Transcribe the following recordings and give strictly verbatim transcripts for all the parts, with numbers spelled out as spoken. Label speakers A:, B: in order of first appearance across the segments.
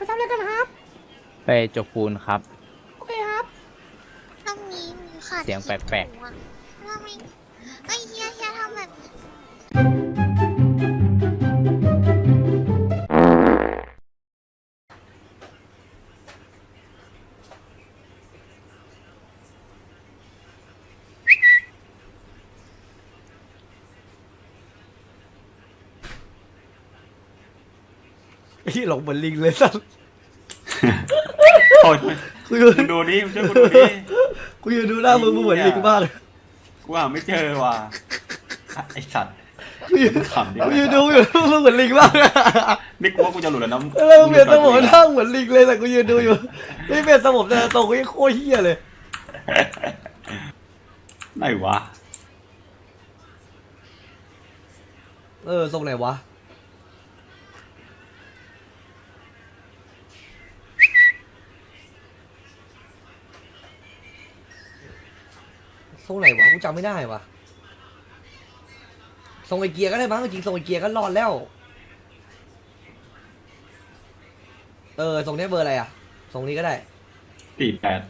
A: ทำอะไรกันครับ
B: ไปจกปูนครับ
A: โอเคครับ
C: ตรงนี้มีค่ะ
B: เสียงแปลกๆ
C: ๆทำไมไอ้เฮียเฮียทำแบบนี้
A: ไอ้หลงเหมือนลิงเลยสัส
D: โอ้ยมึงดูนี่มึงช่วยกูดูนี่
A: กูยืนดูหน้ามึงมึงเหมือนลิงมากเลย
D: กูหาไม่เจอว่ะไอสัตว์
A: กูยืน
D: ขำดิ
A: กูยืนดูอยู่มึงเหมือนลิงมาก
D: นี่กูว่ากูจะหลุดแล้วนะ
A: เออเปลี่ยนสมองนั่งเหมือนลิงเลยแต่กูยืนดูอยู่ไม่เปลี่ยนสมองแต่ตรงกูยังโคตรเฮี้ยเลย
D: ไหนวะ
A: เออทรงไหนวะทรงไหนวะกูจำไม่ได้วะทรงไอเกียร์ก็ได้มั้งจริงทรงไอเกียร์ก็รอดแล้วเออทรงนี้เบอร์อะไรอ่ะทรงนี้ก็ได้
D: สี่แปด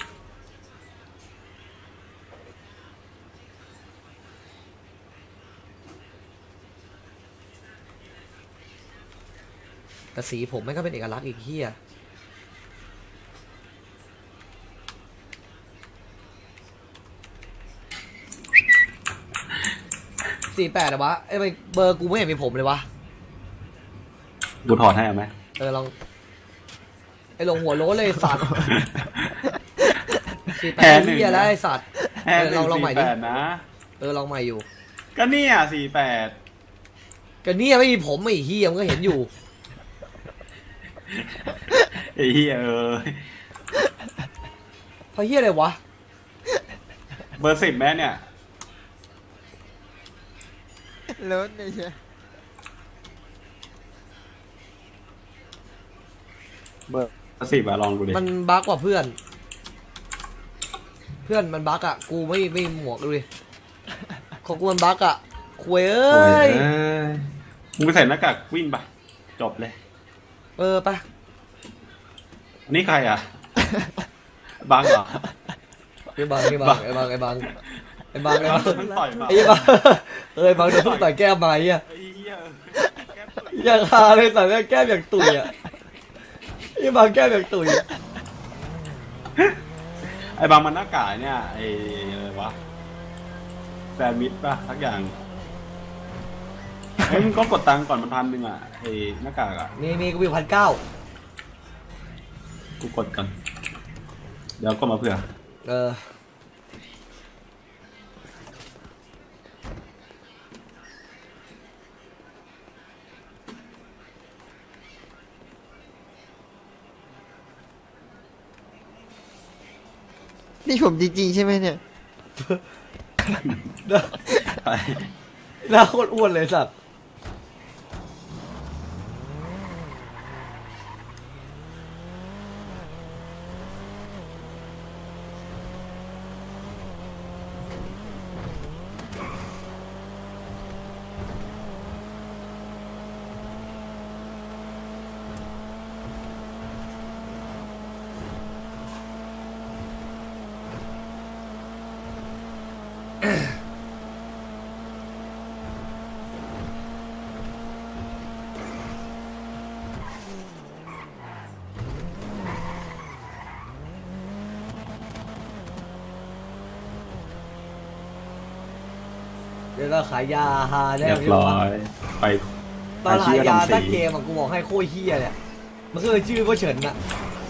A: แต่สีผมไม่ก็เป็นเอกลักษณ์อีกเฮียสี่แปดอะวะไอ้เบอร์กูไม่เห็นมีผมเลยวะ
D: กูถอดให้เอาไหม
A: เออลองไอ้ลงหัวโล้นเลยสัตว์สี่แปดเฮียแล้วไอ้สัตว์เออลองลองใหม่ดิ
D: นะ
A: เออลองใหม่อยู่
D: ก็เนี่ยสี่แปด
A: ก็เนี่ยไม่มีผมไอ้เฮียมันก็เห็นอยู่
D: ไอ้เฮียเออ
A: พอเฮียอะไรวะ
D: เบอร์สิบแม่เนี่ย
B: รถเนี่ยใช่
D: เบอร์สิบอะลองดูดิ
A: มันบั๊กกว่าเพื่อนเพื่อนมันบั๊กอะกูไม่ไม่หมวกเลยของกูมันบั๊กอะคุยเอ้ย
D: มึงไปใส่หน้ากากวิ่งไปจบเลย
A: เออปะ
D: นี่ใครอ่ะบังเหรอ
A: ไอ้บังไอ้บังไอ้บังไอ้บังไอ้บังไอ้บังไอ้บังเอ้ยบังโดนต่อยแก้มมาเฮียอย่างฮาเลยแต่แก้มอย่างตุ๋ยอ่ะไอ้บังแก้มอย่างตุ๋ย
D: ไอ้บังมันหน้ากากเนี่ยไอ้อะไรวะแซนด์วิชป่ะทักอย่างเฮ้ยมึงก็กดตังค์ก่อนมันพันหนึ่งอ่ะไอ้หน้ากากอ่ะ
A: นี่นี่กูมีพันเก้า
D: กูกดกันเดี๋ยวก็มาเผื่อ
A: เออ
B: นี่ผมจริงๆใช่ไหมเนี่ย
A: หน้าโคตรอ้วนเลยสัตว์เดี๋ยวเราขายยาฮาได้
D: เรียบร้อยไป
A: ตอนขายยาตั้งเกมอ่ะกูบอกให้โคตรเฮี้ยเนี่ยมันก็เลยชื่อว่าเฉินอ่ะ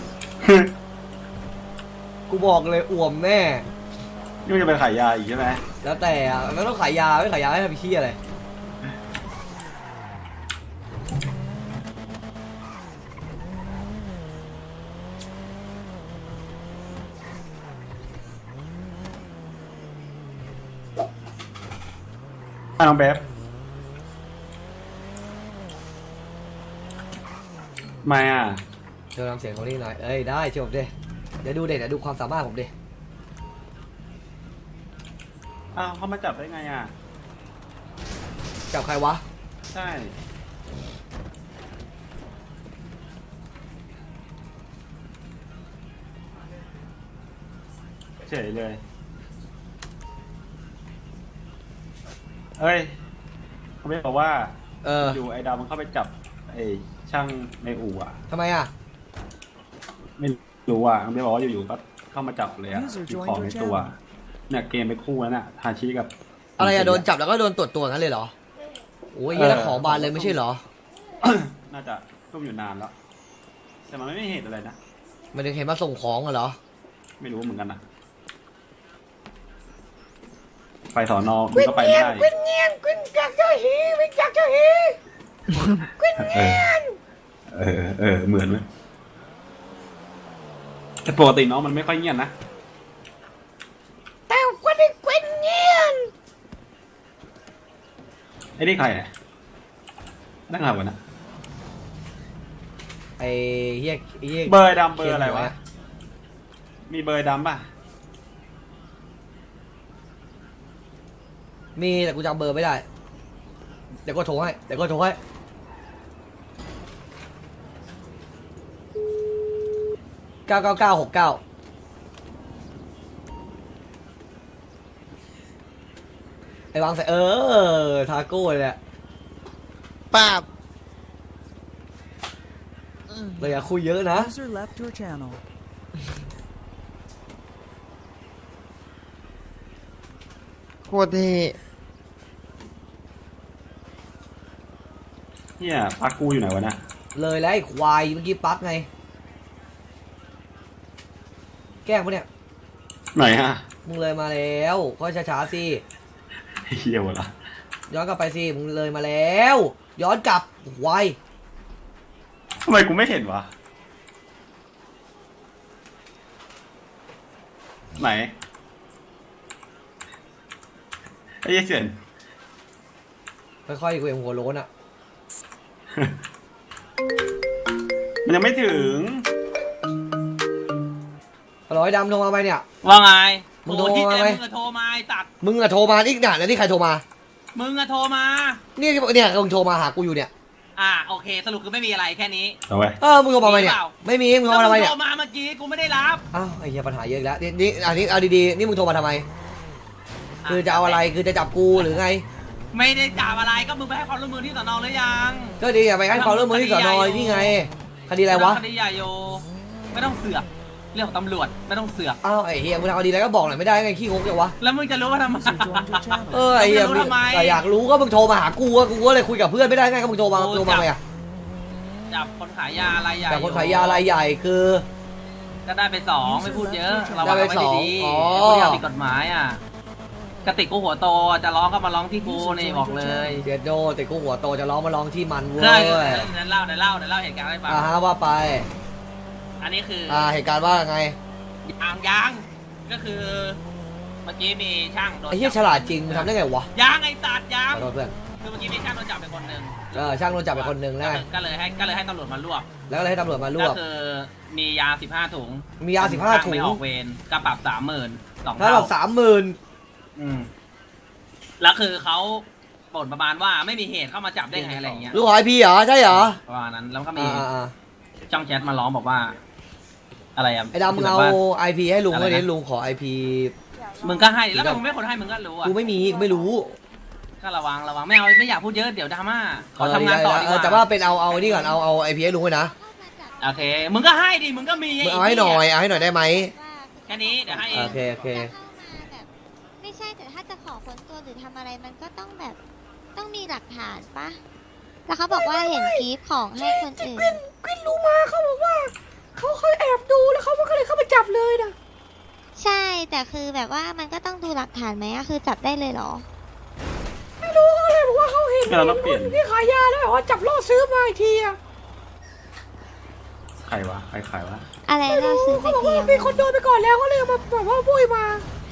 A: กูบอกเลยอ่วมแน่
D: นี่มันจะไปขายยาอีกใช่ไหม
A: แล้วแต่อ่ะมันต้องขายยาไม่ขายยาให้ทำเฮี้ยอะไร
D: น้องเบฟมาอ่ะ
A: เดี๋ยวทำเสียงของนี่หน่อยเอ้ยได้ชมดิเดี๋ยวดูเด็ดเดี๋ยวดูความสามารถผมดิ
D: อ้าวเขามาจับได้ไงอ่ะ
A: จับใครวะ
D: ใช่เฉยเลยเอ้ยเขาไม่บอกว่า
A: เออ
D: อยู่ไอ้ดาวมันเข้าไปจับไอ้ช่างในอู่อ่ะ
A: ทำไมอ่ะ
D: ไม่รู้อ่ะเขาไม่บอกว่าอยู่ๆก็เข้ามาจับเลยอ่ะมีของในตัวเนี่ยเกมไปคู่แล้วน่ะทาชิกับ
A: อะไรอะโดนจับแล้วก็โดนตรวจตัวงั้นเลยเหรอโอ้ยยี่แล้วของบานเลยไม่ใช่เหรอ
D: น่าจะร่วมอยู่นานแล้วแต่มันไม่มีเหตุอะไรนะ
A: มันถึงเห็นมาส่งของอะเหรอ
D: ไม่รู้เหมือนกันนะไปสอนอมันก็ไปไม่ได้
A: กวินเงียนกวินอยากจะหีวินอยากจะหีกวินเงียน
D: เออเออเหมือนไหมแต่ปกติน้องมันไม่ค่อยเงียบนะ
A: แต่กวินกวินเงียน
D: ไอ้นี่ใครเนี่ยนั่งหลับกันนะ
A: ไอ้เฮียเฮีย
D: เบอร์ดำเบอร์อะไรวะมีเบอร์ดำป่ะ
A: มีแต่กูจำเบอร์ไม่ได้เดี๋ยวก็โทรให้เดี๋ยวก็โทรให้เก้าเก้าเก้าหกเก้าไอ้วางใส่เออทาโก้เลยแหละ
B: ป้าบ
A: เราอย่าคุยเยอะนะ
E: User left your channel.
B: โคตรเท่
D: เนี่ยพักกูอยู่ไหนวะเนี่ย
A: เลยแล้วไอ้ควายเมื่อกี้ปั๊กไงแกล้งปะเนี่ย
D: ไหนฮะ
A: มึงเลยมาแล้วก็ช้าๆสิ
D: เฮียวะละ
A: ย้อนกลับไปสิมึงเลยมาแล้วย้อนกลับควาย
D: ทำไมกูไม่เห็นวะไหนไอ้เหี้ยเสียน
A: ค่อยๆกูเองหัวโล้นอ่ะ
D: มันยังไม่ถึง
A: ร้อยดำโทรมาไหมเนี่ย
F: ว่าไง
A: มึงโทร
F: โอ้ที่
A: มา
F: เจ
A: ไหม
F: มึงอะโทรมาไอ้สัตว์
A: มึงอะโทรมาอีกหนาแล้วนี่ใครโทรมา
F: มึงอะโทรมา
A: นี่เนี่ยมึงโทรมาหากูอยู่เนี่ย
F: อ่าโอเค สรุปคือไม่มีอะไรแค่นี้
D: เอาไว้
A: เออมึงโทรมาไหมเนี่ย
F: มีเปล่า
A: ไม่มีมึงโทรมาทำไม
F: แล้ว
A: เนี่ย
F: โทรมาเมื่อกี้กูไม่ได้รับ
A: อ้าวไอ้เหี้ยปัญหาเยอะอีกแล้วนี่นี่อันนี้เอาดีๆนี่มึงโทรมาทำไม คือจะเอาอะไรคือจะจับกูหรือไง
F: ไม่ได้จับอะไรก็มึงไปให้ความร่วมมือที่สนหรือยัง
A: ก็ดีอย่าไปให้ความร่วมมือที่สอนอนี่ไงคดีอะไรวะ
F: คดีใหญ่โยไม่ต้องเสือกเรื่องของตำรวจไม่ต้องเสือก
A: อ้าวไอ้เหี้ยมึงทำคดีอะไรก็บอกหน่อยไม่ได้ไงขี้งกจังวะ
F: แล้วมึงจะรู้ว่าทำไม
E: User joined your channel.
A: เออไอ้เหี้ย
F: มึงรู้ทำไม
A: แต่อยากรู้ก็มึงโทรมาหากูอะกูก็เลยคุยกับเพื่อนไม่ได้ไงก็มึงโทรมา
F: โอ้
A: โทรมา
F: จับ
A: ไงอะ
F: จับคนขายยาอะไรใหญ่
A: แต่คนขายยารายใหญ่คือ
F: ก็ได้ไปสองไม่พูดเยอะเรา
A: ได้
F: วาง
A: ไป
F: ไว้
A: สอง
F: ดี
A: อ๋อ
F: ๆผู้ที่ผิดกฎหมายอ่ะกระติกกูหัวโตจะร้องก็มาร้องที่กูนี่บอกเลย
A: เดียดโดแต่กูหัวโตจะร้องมาร้องที่มันเว้
F: ใช่
A: ย
F: เดี๋ยวเล่าเดี๋ยวเล่าเดี๋ยวเล่าเหตุการณ์ให้ฟัง
A: อ่าฮะว่าไป
F: อันนี้คือ
A: อ่าเหตุการณ์ว่าไง
F: ยางยางก็คือ เมื่อกี้มีช่างโดน
A: ไอ้เหี้ยฉลาดจริงมึงทำได้ไงวะ
F: ยางไอ้ตัดยา
A: ข
F: ง
A: อโทษเพื่อน
F: คือเมื่อกี้มีช่างโดนจับไปคนหนึ่ง
A: เออช่างโดนจับไปคนหนึ่งแล้วไง
F: ก็เลยให้ก็เลยให้ตำรวจมารวบ
A: แล้วก็เลยให้ตำรวจมารว
F: ก็
A: บ
F: คือมียาสิบห้าถุง
A: มียาสิบห้าถุง
F: ไม่ออกเวรก็ปรับสามหมื่นสอง
A: ถ้า
F: เท่า
A: เราสามหมื่น
F: อืมแล้วคือเขาบ่นประมาณว่าไม่มีเหตุเข้ามาจับได้ไงอะไรอย่างเงี้ย
A: ลูกหอยพีเหรอใช่เหรอ
F: ประมาณนั้นแล้วก็มี
A: อ่าอ่า
F: ช่องแชทมาร้องบอกว่า อะไรอ่ะ
A: ไอ้ดำมึงเอา
F: แบบว่
A: ไอพีให้ลุง
F: อะไร
A: เลย
F: นะ
A: ดิลุงขอไอพี
F: มึงก็ให้แล้วทำไมมึงไม่คนให้มึงก็รู้อ่ะ
A: กูไม่มีกูไม่รู้
F: ก็ระวังระวังไม่เอาไม่อยากพูดเยอะเดี๋ยวดราม่าขอทำงานต่อดีก
A: เออ
F: ว่า
A: แต่ว่าเป็นเอาเอานี่ก่อนเอาเอาไอพีให้ลุงไว้นะ
F: โอเค มึงก็ให้ดิ มึงก็มี
A: มึงเอาให้หน่อยเอาให้หน่อยได้ไหม
F: แค่นี้เดี๋ยวให้เอ
A: โอง เคโอเค
C: จะเข้ามาแบบไม่ใช่แต่ถ้าจะขอค้นตัวหรือทำอะไรมันก็ต้องแบบต้องมีหลักฐานปะแล้วเขาบอกว่าเห็นคลิปของให้คนอื่น
A: กวินรู้มาเขาบอกว่าเขาเคยแอบดูแล้วเขาก็เลยเข้ามาจับเลยนะ
C: ใช่แต่คือแบบว่ามันก็ต้องดูหลักฐานไหมอะคือจับได้เลยเหรอ
A: ไม่รู้เขาเลยบอกว่าเขาเห็น
D: เราต้องเปลี่ยน
A: ที่ขายยาแล้วแบบว่าจับล่อซื้อมาอีกทีอะ
D: ใครวะใครขายวะ
C: อะไรเราซื้อไป
A: เขาบอก
C: เทีย
A: ว่าม มีคนโดนไปก่อนแล้วก็เลยเอามาแบบว่าบุยมา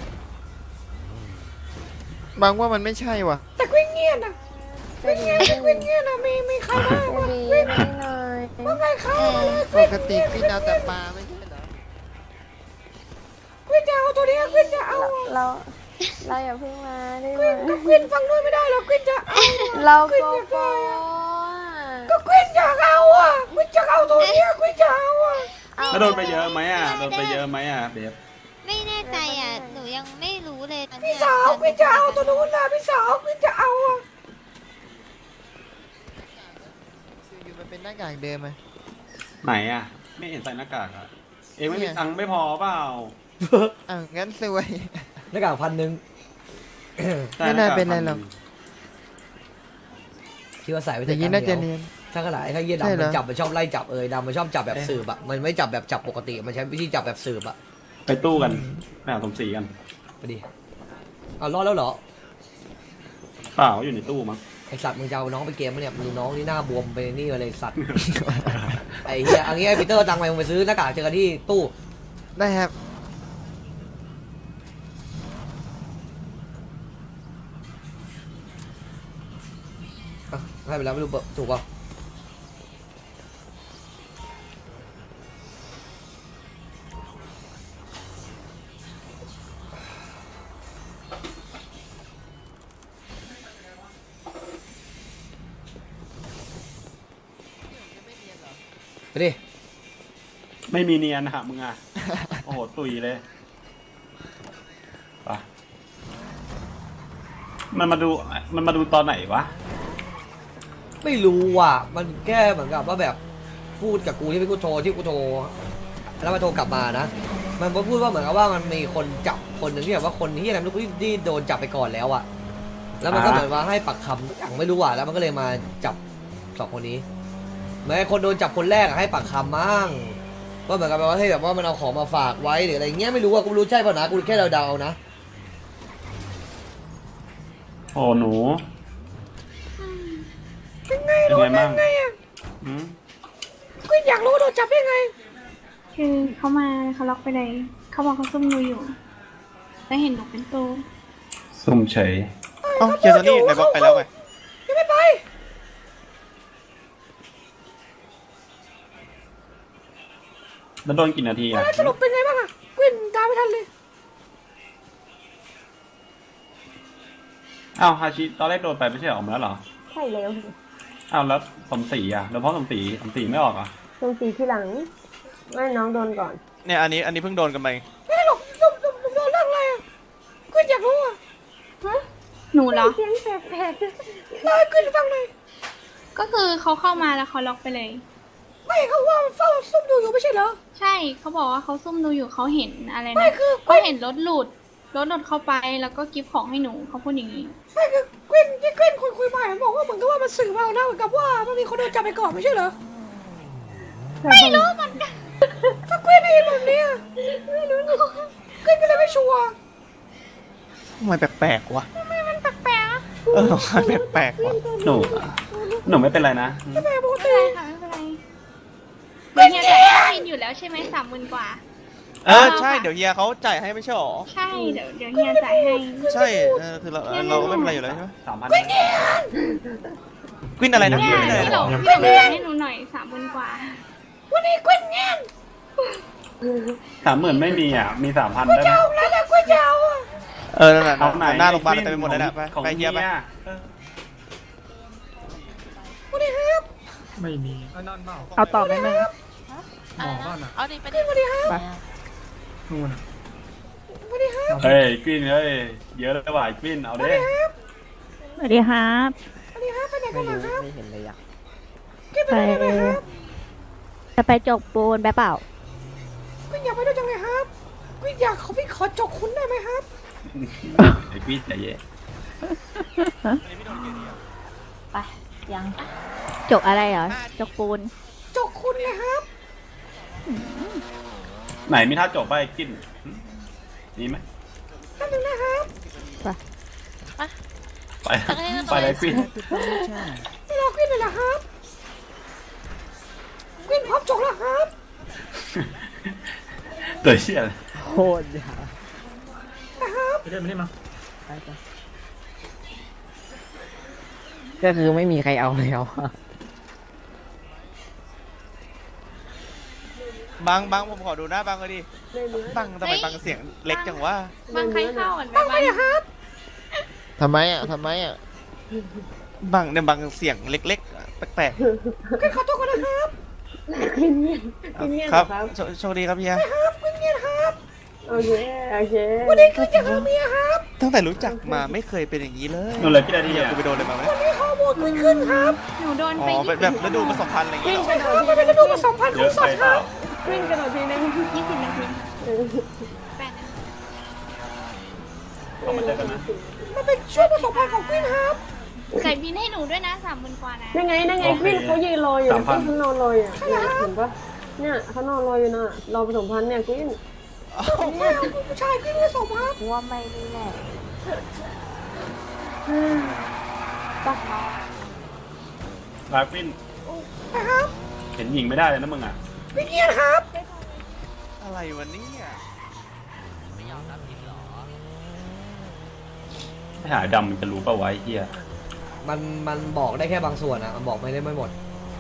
B: บางว่ามันไม่ใช่ว่ะ
A: แต่กวินเงียบนะกวินเงียบกวินเงียบนะมีมีใครบ้างวะกวินว่าไงครับ
C: เออ
B: ปกติพี่เอาแต่ปลาไม่ใช่เหรอก
A: วินจะเอาตัวนี้กวินจะเอา
G: เราเราอย่าเพิ่งมาได้ไหม
A: ก็กวินฟังด้วยไม่ได้หรอกกวินจะเอา
G: เรา
A: กวิน
G: โก
A: อยาก
G: โก้
A: ได้ก็กวินอยากเอาอ่ะกวินจะเอาตัวนี้กวินจะเอาอ่ะ
D: แล้วโดนไปเยอะไหมอ่ะโดนไปเยอะไหมอ่ะเบฟ
C: ไม่แน่ใจอ่ะยังไม่รู้เลยตอน
A: พี่
C: เนี้ย
A: สาวพี่จะเอาตัวนู้นนะพี่สาวพี่จะเอาอะ
B: อยู่มันเป็นหน้ากากเดิมไหม
D: ไหนอ่ะ ไม่เห็นใส่หน้ากากอ่ะ เองไม่มีตังค์ไม่พอเปล่า
B: อ้าวงั้นสวย
A: หน้ากากพันหนึ่ง
B: ไม่น่าเป็นไรหรอก
A: คิดว่าใส่ไป
B: อ
A: แต่
B: ย่าง
A: กั
B: นี้
A: น
B: น่าจะ
A: เดียว
B: เนียน
A: ถ้าขนาดไอ้ข้าเยี่ย
B: ใช่
A: ดำ
B: เหร
A: มั
B: อ
A: นจับมันชอบไล่จับเอยดำมันชอบจับแบบสืบอะมันไม่จับแบบจับปกติมันใช้วิธีจับแบบสืบอะ
D: ไปตู้กันไปหาสมศรีกัน
A: ไปดิเอารอดแล้วเหรอ
D: เปล่าอยู่ในตู้มั้ง
A: ไอสัตว์มึงจะเอาน้องไปเกมปะเนี่ยมึงดูน้องนี่หน้าบวมไปนี่มาเลยสัตว์ ไอ้เหี้ยอันนี้ไอ้ปีเตอร์ตังค์ไปมึงไปซื้อหน้ากากเจอกันที่ตู้
B: ได้ครับ
A: อ่ะให้ไปแล้วไม่รู้ถูกป่ะ ไปดิ
D: ไม่มีเนียนนะมึงอ่ะ โอ้โห ตุยเลยไปมันมาดู มันมาดูตอนไหนวะ
A: ไม่รู้ว่ะมันแค่เหมือนกับว่าแบบพูดกับกูที่เป็นกูโทรที่กูโทรแล้วมาโทรกลับมานะมันก็พูดว่าเหมือนกับว่ามันมีคนจับคนหนึ่งที่แบบว่าคนที่อะไรไม่รู้ที่ที่โดนจับไปก่อนแล้วอะแล้วมันก็
D: อ่า
A: เหมือนว่าให้ปักคำอย่างไม่รู้อะแล้วมันก็เลยมาจับสองคนนี้เหมือนไอ้คนโดนจับคนแรกอะให้ปักคำมั่งว่าเหมือนกับว่าให้แบบว่ามันเอาของมาฝากไว้หรืออะไรเงี้ยไม่รู้อะกูไม่รู้ใช่ป่ะนะกูแค่เดาๆนะ
D: โอ้หนู เป็นไงเป็นไงบ้างอืม
A: อยากรู้โดนจับยังไง
H: คือเขามาเขาล็อกไปเลย เขาบอกเขาซุ่มดูอยู่ แล้วเห็นหนูเป็นตัว
D: ซุ่มเฉย
B: เอ้าเจอตอนนี้ไหนบอกไปแล้วไง
D: แล้วโดนกี่นาทีอ่ะ
A: สรุปเป็นไงบ้างอะกวินตามไม่ทันเลย
D: อ้าวฮาชิตอนแรกโดนไปไม่ใช่ออกมาแล้วเหรอ
G: ใช่แล้ว
D: อ้าวแล้วสมศรีอ่ะ แล้วเพราะสมศรีสมศรีไม่ออกอ่ะ
G: ตรงสีที่หลังไม่น้องโดนก่อน
B: เนี่ยอันนี้อันนี้เพิ่งโดนกันไป
A: ไม่หรอกโดนโดนโดนเรื่องอะไรอะกวินอยากรู้อะ
H: หนูเหรอ
G: เสียงแปลก
A: เล่าให้กวินฟังหน่อย
H: ก็คือเขาเข้ามาแล้วเขาล็อกไปเลย
A: ไม่เขาว่ามันเฝ้าซุ่มดูอยู่ไม่ใช่เหรอ
H: ใช่เขาบอกว่าเขาซุ่มดูอยู่เขาเห็นอะไร
A: ไม่
H: นะ
A: คือ
H: เขาเห็นรถหลุด รถหลุดเข้าไปแล้วก็กิฟต์ของให้หนูเขาพูดอย่างนี้
A: ไม่คือกวินที่กวินคุยคุยมามันบอกว่าเหมือนกับว่ามันสื่อมานะเหมือนกับว่ามันมีคนโดนจับไปก่อนไม่ใช่เหรอ
H: ไม่รู้เหมือนกัน
A: ถ้ากวินได้ยินแบบเนี้ยไม่รู้กวินก็เลยไม่ชัวร์
B: ทำไมแปลกๆวะ
H: มันแปลกๆอะ
B: เออมันแปลกๆวะ
D: หนู หนูไม่เป็นไรนะ
A: แม่ปก
H: ไม่
A: ติ
H: เป็นไรค่ะไม่เป็นไรเดี๋ยวเฮียจ่ายให้อยู่แล้วใช่ไหมสามหมื่นกว่า
B: เออใช่เดี๋ยวเฮียเขาจ่ายให้ไม่ใช่หรอ
H: ใช่เดี๋ยวเดี๋ยวเฮียจ่ายให้
B: ใช่เออคือเราเราก็ไม่เป็นไรอยู่แล้วใช่ไหม
D: สามพัน
B: กวินอะไรนะ
H: เนี่ย
B: กวินอะไร
H: พี่
B: นะ
H: หลงพี่หลงจ่ายให้หนูหน่อยสามหมื่นกว่า
A: วันนี้กวินแง่ง
D: สามหมื่นไม่มีอ่ะ มีสามพันได้ไหม
A: แล้วแต่กวินจะเอาอะ
B: เออนั่นน่ะ
D: เอาไหน
B: หน้าโรงพยาบาลเต็มไปหมดเลยนะไป
D: ของ
B: ไปเฮียไป
A: วันนี้ครับ
E: เอาต่อไหมมึง
G: เอาดิไปดิ
A: วันนี้ครับ
E: ไป
A: วันนี้ครับ
D: เฮ้ยกวินเฮ้ย เยอะแล้วว่ะกวินเอาดิ
G: สวัสดีครับ
A: วันนี้ครับไปไหนกันล่ะครับ
B: ไม่เห็นเลยอ่ะ
A: กวินไปไหนกันไหมครับ
G: จะไปจกปูนไปเปล่าก
A: วินอยากไปด้วยจังเลยครับกวินอยากขอพี่ขอจกคุณได้ไหมครับ
D: ไอ้กวินใจเย็น
G: ไปยังจกอะไรเหรอจกปูน
A: จกคุณนะครับ
D: ไหนมีท่าจบไปะไอ้กวินมีไหม
A: ท่านหนึ่งนะครับ
D: ไป ไปเลยกวิน
A: ไม่รอกวินเลยเหรอครับกวินพร้อมจกแล้วครับ
D: ตัวเชี่ยเลย
B: โคตรยา
A: นะครับ
B: ก็คือไม่มีใครเอาแล้วบังบังผมขอดูหน้าบังเลยดิบังทำไมบังเสียงเล็กจังวะ
H: บางใครเข้าเหมือน
A: ตั้ง
H: ไป
A: ไปนะครับ
B: ทำไมอ่ะทำไมอ่ะบังเนี่ยบังเสียงเล็กๆอะแปลก
A: กวินขอตัวก่อนนะครับ
B: ๆครับโชโชคดีครับเฮีย
A: ครับกวินเงียบครับ
I: โอเคโอเค
A: วันนี้คือจะหาเมียครับ
B: ตั้งแต่รู้จักมาไม่เคยเป็นอย่างนี้เลย
D: โดนเลยพี่นาที
B: เดี๋ยว
D: อ่ะ
B: กูไปโดนอะไรมาไหม
A: วันนี้ฮอร์โมนขึ้นขึ้นครับ
H: หนูโดน
B: อ๋
H: ไป
B: อเป็นแบบฤดูผสมพันธุ์อะไรอย่าง
I: กิ้
B: เงี้
I: ง
B: ยเหรอก
I: ระโดด
A: มันเป็นฤดูผสมพันธุ์ข
D: เย
A: อง
D: อะ
A: สั
D: ไป
A: ตว์
D: เป
A: ครั
D: ล่า
A: บ
I: กิ้งกระโดดทีนึง
H: ยี่สิบนาที
I: เออ
H: แปดนาที
D: ต้องมาเจอกันนะ
A: มันเป็นช่วงผสมพันธุ์ของกวินครับ
H: ใส่บินให้หนูด้วยนะสามหมื่นกว่านะ
I: นั่นไงนั่นไงกิ้งเขายืนรออยู่นะกิ้งเขานอนรออยู่เนี่ยเห็นปะเนี่ยเขานอนรออยู่นะรอผสมพันธุ์เนี่ยกิ้ง
A: ผมไม่เอาผู้ชายกวินผสมครับ
G: ว่าไม่นี่แหละ
D: ลาควิน
A: นะครับ
D: เห็นหญิงไม่ได้เลยนะมึงอ่ะ
A: วิเนียนครับ
B: อะไรวะเนี่ย
D: ถ้าหาดำมันจะรู้ป่าววะไอ้เหี้ย
A: มันมันบอกได้แค่บางส่วนอะมันบอกไม่ได้ไม่หมด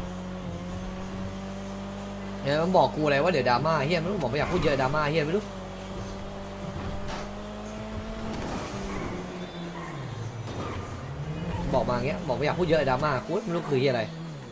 A: เนี่ยมันบอกกูอะไรว่าเดี๋ยวดราม่าเฮียไม่รู้บอกไม่อยากพูดเยอะดราม่าเฮียไม่รู้บอกมาอย่างเงี้ยบอกไม่อยากพูดเยอะดราม่ากูไม่รู้คือเฮียอะไร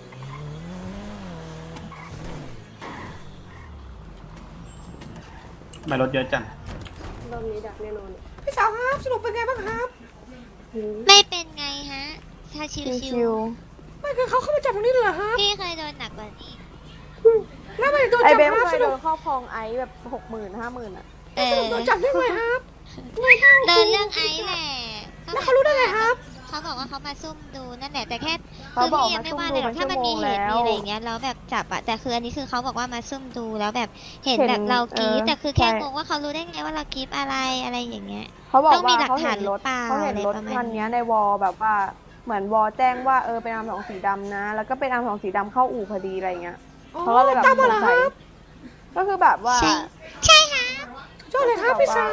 D: ทำไมรถเยอะจัง
I: รอบนี้ดักแน่นอน
A: พี่สาวครับสรุปเป็นไงบ้างครับ
C: ไม่เป็นไงฮะ ถ้าชิ
G: ชิ
C: ว
G: ว
A: ไม่คือเขาเข้ามาจับตรงนี้เลยเหรอครับ
C: ๆพี่เคยโดนหนักกว่านี้
A: แล้วไม่โดน
G: ไอ
A: จับ
G: เบม
A: ครับ
G: เค
A: ส
G: ยโด
A: รุป
G: นครอบครองไอซ์แบบหกหมื่นห้าหมื่นอ่ะ
C: เออ
A: โดนจับได้ไงครับ
C: โดนเรื่องไอซ์แหละ
A: แล้วเขารู้ได้ไงครับ
C: เขาบอกว่าเขามาซุ่มดูนั่นแหละแต่แค่
G: เขา
C: คือ
G: บอก
C: พี่ยัง
G: มา
C: ไม่
G: ซุ่ม
C: ว่า
G: ดู
C: เลยหรอกถ้ามันมีเหตุ
G: เป็นชั่วโมงแล้ว
C: มีอะไรอย่างเงี้ยแล้วแบบจับอะแต่คืออันนี้คือเขาบอกว่ามาซุ่มดูแล้วแบบเห็น
G: เห็น
C: แบบเรากรีด
G: เออ
C: แต่คือแค่
G: ใช่
C: งงว่าเขารู้ได้ไงว่าเรากรีดอะไรอะไรอย่างเงี้ย
G: เขาบอก
C: ต้องมี
G: ว่า
C: หลัก
G: เขา
C: ฐา
G: เห็
C: น
G: นรถ
C: หรือเปล่า
G: เขาเห็นรถ
C: อะไรประมาณ
G: คันเนี้ยในวอลแบบว่าเหมือนวอลแจ้งว่าเออเป็นอาร์มสองสีดำนะ แล้วก็เป็นอาร์มสองสีดำเข้าอู่พอดีอะไรเงี้ยเขาก็เลยแบบ
A: จับ
G: ส
A: มาง เหรอค
G: สัย
A: รับ
G: ก็คือแบบว่า
C: ใช่ใช่ค่ะ
A: ชอบเลยครับพี่สาว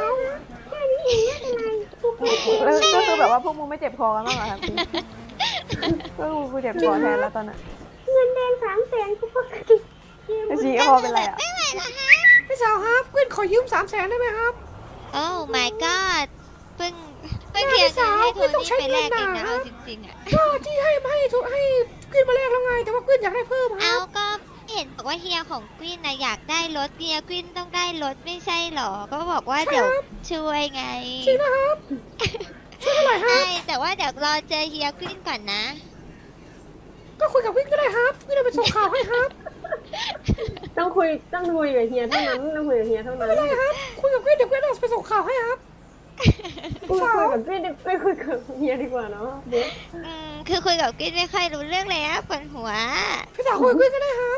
G: แล้วก็คือแบบว่าพวกมึงไม่เจ็บคอกันบ้างเหรอครับพี่ก็คือกูเจ็บคอแทนแล้วตอนนั้น
I: เงินแดงสามแสนกูปกติ
G: ไอชีคอเป็นไรอ่ะ
C: ไม่ไหวแล้วฮะ
A: พี่สาวครับกวินขอยืมสามแสนได้ไหมครับ
C: โอ้ my god เพิ่งเพิ่งเคลียร์เงินให้โทนี่ไปแลกเองนะเอาจริงๆอะ
A: ก็ที่ให้ให้ทุให้กวินมาแลกแล้วไง แต่ว่ากวินอยากได้เพิ่มค
C: เอา
A: รับ
C: ก็เห็นบอกว่าเฮียของกวินนะอยากได้รถเฮียกวินต้องได้รถไม่ใช่หรอ ก็บอกว่าเดี๋ยวช่วยไง
A: จริงนะครับช่วยเท่าไหร่ครั
C: ใช่
A: บ
C: แต่ว่าเดี๋ยวรอเจอเฮียกวินก่อนนะ
A: ก็คุยกับกวินก็ได้ครับกวินเอาไปส่งข่าวให้ครับ
I: ต้องคุยต้องคุยกับเฮียเท่านั้นต้องคุยกับเฮียเท่านั้น
A: ไม่เป็นไรครับคุยกับกวินเดี๋ยวกวินเอาไปส่งข่าวให้ครับ
I: คุยคุยกับพี่ไม่คุยกับเฮียดีกว่าเนาะเดี๋ยว
C: อืมคือคุยกับกวินไม่ค่อยรู้เรื่องเลยอะปวดหัว
A: พี่สาวคุยกับกวินก็ได้ครับ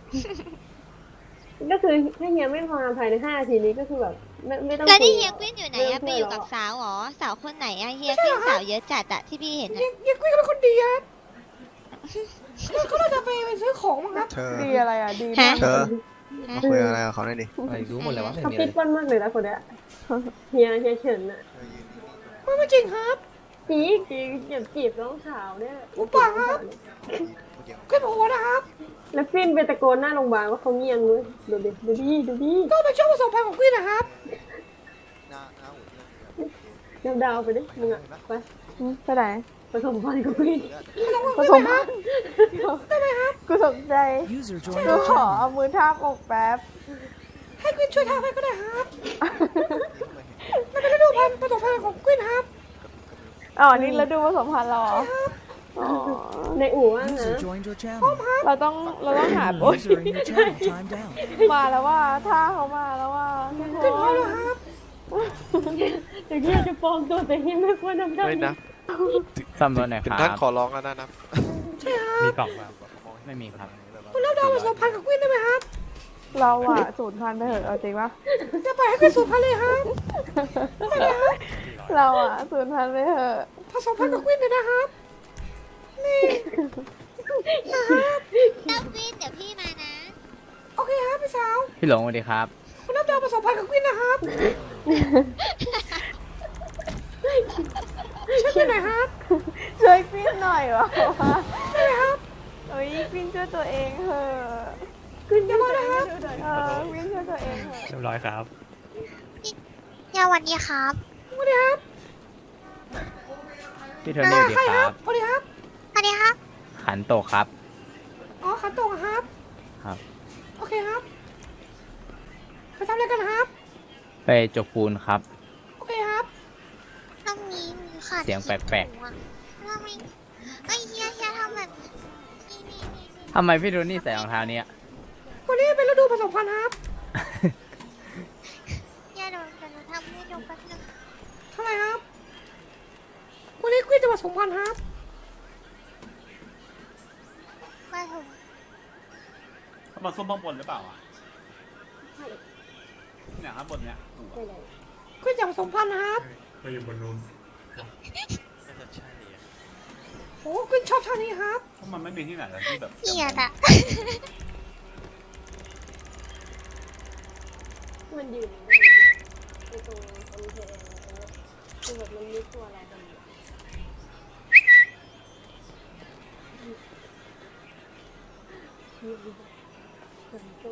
I: ก็คือถ้าเฮียไม่มาภายในห้านาทีนี้ก็คือแบบไม่ไม่ต้อง
C: แล้ว
I: คุ
C: นี่
I: ย
C: เฮียกวินอยู่ไหนอะไปอยู่กับสาวเหรอสาวคนไหนอะเฮียกวินสาวเยอะจัดอะที่พี่เห็นอะ
A: ยังยังกวินก็เป็นคนดีครับเขาน่าจะไปไปซื้อของมั้งครับ
B: เธอ
G: ดีอะไรอ่ะ ดีมาก
B: เธอมาคุยอะไรกับเขาหน่อยดิ
A: อะไรรู้หมดเลยวะไม่
I: เขา
A: มี
I: ปิ
A: อะ
I: ด
A: ไร
I: ปั้นมากเลยนะคนเนี้ยเฮียเฮียเฉินน่ะ
A: ไม่ไม่จริงครับ
I: จีบจีบอย่าจีบน้องสาวเนี่ย
A: อุปาครับกวินโหนะครับ
I: แล้วฟินไปตะโกนหน้าโรงพยาบาลว่าเขาเงียบเลยดูดิดูดิดูดิ
A: ก็เป็นช่วงผสมพันธุ์ของกวินนะครับ
I: เดาดาวไปดิมึงอ่ะไป
G: อืมไปไหน
I: ผสมพันธุ์กับฟิน
G: ผสมพันธุ์กูสนใจกูขอเอามือทาบอกแป๊บ
A: ให้กวินช่วยทำให้ก็ได้ครับมันเป็นฤดูพันธุ์ผสมพันธุ์ของกวินครับ
G: อ๋อ นี่แล้วดูผสมพันธุ์เราเหรออ๋อ
I: ในอู่ว่างนะ
G: เราต้องเราต้องหาโอ๊ยมาแล้วว่าท่าเขามาแล้วว่าทุกค
A: กวินพอแล้ว
G: น
A: ครับ
I: เดี๋ยวเฮียจะฟ้องตัวแต่เฮียไม่ควรทำได้
B: เฮ้ยนะ
E: สำนวนไหน
B: ถึ
E: ค
B: ง
E: รั
B: ท่าน
E: บ
B: ขอร้องแล้วนะนะ
A: ใช่ครับ
E: มีกล่องแบบไม่มีครับ
A: คุณแล้วดาวผสมพันธุ์กับกวินได้ไหมครับ
G: เราอะสูญพันธุ์ไปเถอะเอาจริงปะ
A: จะปล่อยให้กวินสูญพันธุ์เลยครับ
G: เราอะสูญพันธุ์ไปเถอะ
A: ผสมพันธุ์กับกวินเลยนะครับนี่
C: เต้ากวินเดี๋ยวพี่มานะ
A: โอเคครับพี่สาว
E: พี่หลงสวัสดีครับ
A: คุณแล้วดาวผสมพันธุ์กับกวินนะครับช่วยกวินหน่อยครับ
G: ช่วยปิ้นหน่อยวะ
A: ได้ไหมครับ
G: เอ้ยปิ้นช่วยตัวเองเถอะ
A: กวินจะมานะครับ
G: เออปิ้นช่วยตัวเองเถอะ
E: เรียบร้อยครับ
C: เฮียวันนี้ครับ
A: สวัสดีครับ
E: พี่โทนี่สวัสดี
A: ใคร
E: ค
A: ค
E: รั
A: รับบ สวัสดีครับ
C: สวัสดีครับ
E: ขันโตกครับ
A: อ๋อขันโตกครับ
E: ครับ
A: โอเคครับ ไปทำอะไรกันครับ
E: ไปจกปูนครับ
A: โอเคครับ
C: ตรงนี้มีขาด
E: เสียงแปลกๆ
C: ๆทำไมไอ้ยเฮียเฮียทำแบบนี่นี่นี่นี่
E: ทำไมพี่โทนี่ใส่รองเท้าเนี้ย
A: วันนี้เป็นฤดูผสมพันธุ์ครับ
C: เฮียเดี๋ยวเดี๋ยวหนูทำให้ดูแป๊บนึง
A: เท่าไหร่ครับวันนี้กุ้ยจะผสมพันธุ์ครับ
C: ว่าถูก
D: เขามาซุ่มข้างบนหรือเปล่าอ่ะเนี่ยข้างบนเนี่ยถูกอะ
I: ไม่ได้
A: กุ้ยจะผสมพันธุ์นะครับ
J: ไปอยู่บนนู้น
A: โอ้กุ้ยชอบท่านี้ครับ
D: เพราะมันไม่มีที่ไหนแล้วที่แบบ
C: เกลียดอะ
I: มันยืนไม่ได้ไอ้ตรงตรงเทนคือแบบมันมีตัวอะไรกันอยู่คนตู้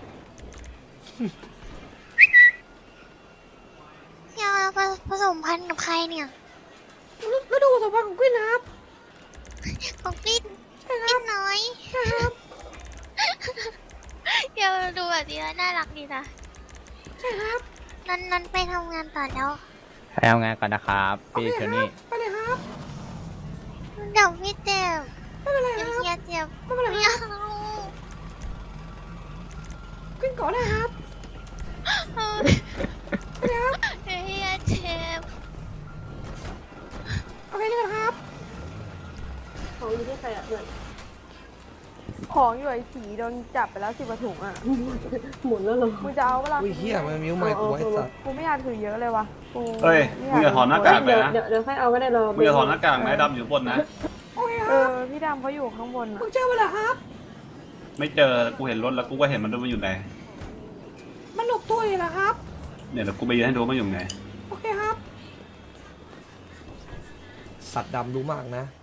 C: เฮียเราผสมพันธุ์กับใครเนี่ย
A: ฤดูผสมพันธุ์ของกุ้ยนะครับ
C: ของปิ้น
A: ใช่ค
C: ปิ้
A: รั
C: น
A: บ
C: น้อย
A: ใช่ครับ
C: เฮียดูแบบนี้แล้วน่ารักดีนะ
A: ใช่ครับ
C: นันนันไปทำงานต่อแล้ว
E: ไปทำงานก่อนนะครับ
A: โอ
E: พี่
A: เค
E: โท
A: ครั
E: นี่
A: บไปเลยครับ
C: เดี๋ยวพี่เจ็บ
A: ไม่เป็นไร
C: เดี๋ยว
A: ครับ
C: เฮียเจ็บ
A: ไม่เป็นไร
C: ไม่
A: ครับ
C: เอา
A: กุ้ยก่อนได้ครับ
C: เออ
A: ไปเลยครับ
C: เดี๋ยวเฮียเจ็บ
A: โอเคเลยครับ
I: ของอยู่ที่ใครอ่ะเพื่อน
G: ของอยู่ไอ้สีโดนจับไปแล้วสิบกว่าถุงอ่ะ
I: หมุนแล้วเหรอ
G: มึงจะเอาเวลา
A: อุ้ยเฮียมันมิ้วไม้กูไว้สัตว์
G: กูไม่อยากถือเยอะเลยวะกู
D: เฮ้ย
G: ไ
D: มึงอย่าถอดหน้ากากเล
I: เดี๋
D: ย
I: ยว
D: นะ
I: เดี๋ยวเดี๋ยวค่อยเอาก็ได้เรา
D: มึงอย่าถอดหน้ากากนะไอ้ดำอยู่บนนะ
A: โอเคค
G: เอ
A: รับ
G: อพี่ดำเขาอยู่ข้างบนอ่ะ
A: มึงเจอมันเหรอครับ
D: ไม่เจอกูเห็นรถแล้วกูก็เห็นมันมันอยู่ไหน
A: มันหลบตัวอยู่เหรอครับ
D: เนี่ยแล้วกูไปยืนให้ดูมันอยู่ไหน
A: โอเคครับ สัตว์ดำรู้มากนะ